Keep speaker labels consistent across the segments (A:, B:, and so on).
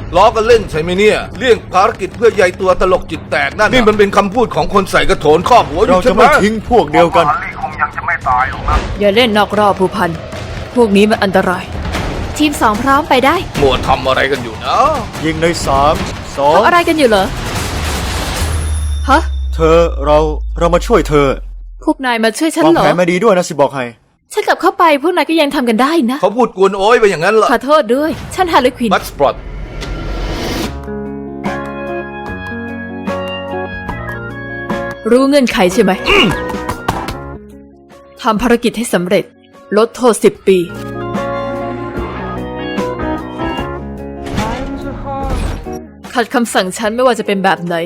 A: ล้อกันเล่นใช่ไหมเนี่ยเลี่ยงภารกิจเพื่อใยตัวตลกจิตแตกนั่นนี่มันเป็นคำพูดของคนใส่กระโถนครอบหัวอยู่
B: เรา
A: ใช่
B: จะ
A: ไหม
B: ไม่ทิ้งพวกเดียวกัน
C: คงยังจะไม่ตายหรอกนะ
D: อย่าเล่นนอกรอบผู้พันพวกนี้มันอันตราย ทีม 2 พร้อมไปได้
A: มัวทำอะไรกันอยู่นะ
B: ยิงใน3 2
D: ทำอะไรกันอยู่เหรอฮะ
B: เธอเรามาช่วยเธอ
D: พวกนายมาช่วยฉัน
B: วาง
D: เหรอ
B: แผนมาดีด้วยนะสิบอกให้
D: ฉันกลับเข้าไปพวกนายก็ยังทำกันได้นะ
A: เขาพูดกวนโอ้ยไปอย่างนั้นเหรอ
D: ขอโทษด้วยฉันฮาร์ลีควิน
A: บัตสปรอต
D: รู้เงื่อนไขใช่ไหม ทำภารกิจให้สำเร็จ ลดโทษ10 ปี ขัดคำสั่งฉันไม่ว่าจะเป็นแบบไหน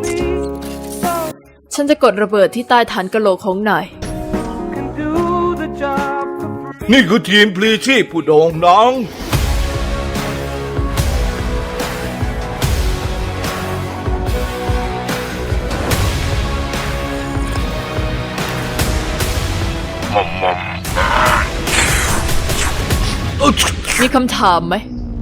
D: ฉันจะกดระเบิดที่ใต้ฐานกะโหลกของนาย
A: นี่คือทีมพลีชีพผู้โด่งดัง
D: มีคำถามไหม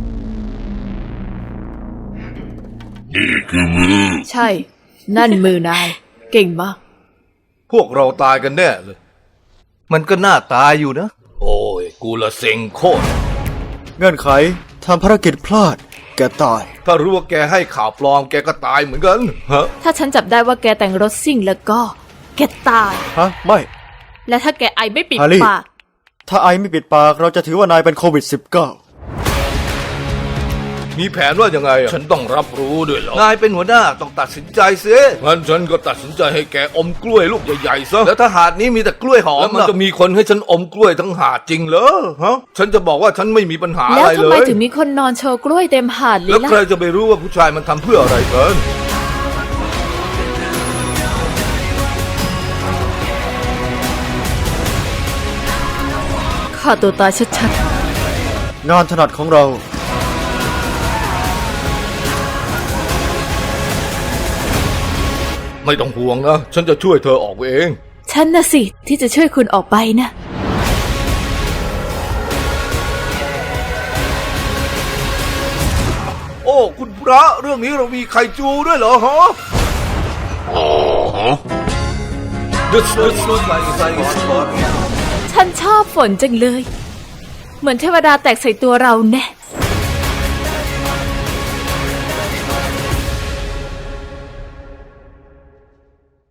C: นี่คือมือ
D: ใช่ นั่นมือนาย เก่งมาก
A: พวกเราตายกันแน่เลย มันก็น่าตายอยู่นะ โอ้ยกูละเซ็งโคตร
B: เงื่อนไขทำภารกิจพลาด แกตาย
A: ถ้ารู้ว่าแกให้ข่าวปลอมแกก็ตายเหมือนกันฮะ
D: ถ้าฉันจับได้ว่าแกแต่งรถซิ่งแล้วก็ แกตาย
B: ฮะ ไม่
D: และถ้าแกไอไม่ปิด
B: ฮาร์ลี่
D: ปาก
B: ถ้าไอไม่ปิดปากเราจะถือว่านายเป็นโควิด -19
A: มีแผนว่ายังไงอะฉันต้องรับรู้ด้วยเหรอนายเป็นหัวหน้าต้องตัดสินใจซิงั้นฉันก็ตัดสินใจให้แกอมกล้วยลูกใหญ่ๆซะแล้วถ้าหาดนี้มีแต่กล้วยหอมแล้วมันจะมีคนให้ฉันอมกล้วยทั้งหาดจริงเหรอฮะฉันจะบอกว่าฉันไม่มีปัญหา
D: แล้
A: อะ
D: ว
A: ไร
D: ทำ
A: เล
D: ไม
A: ย
D: ถึงมีคนนอนโชว์กล้วยเต็มหาดเลย
A: แล้ว
D: ล่ะ
A: ใครจะไปรู้ว่าผู้ชายมันทำเพื่ออะไรกัน
D: ฆ่าตัวตายชัด
B: งานถนัดของเรา
A: ไม่ต้องห่วงนะฉันจะช่วยเธอออกไปเอง
D: ๆ ฉันน่ะสิที่จะช่วยคุณออกไปนะ
A: โอ้คุณพระเรื่องนี้เรามีไข่จูด้วยเหรอฮะดึ๊ดดึ๊ดดึ๊ดใส่ใส่
D: ฉันชอบฝนจังเลย เหมือนเทวดาแตกใส่ตัวเราแน่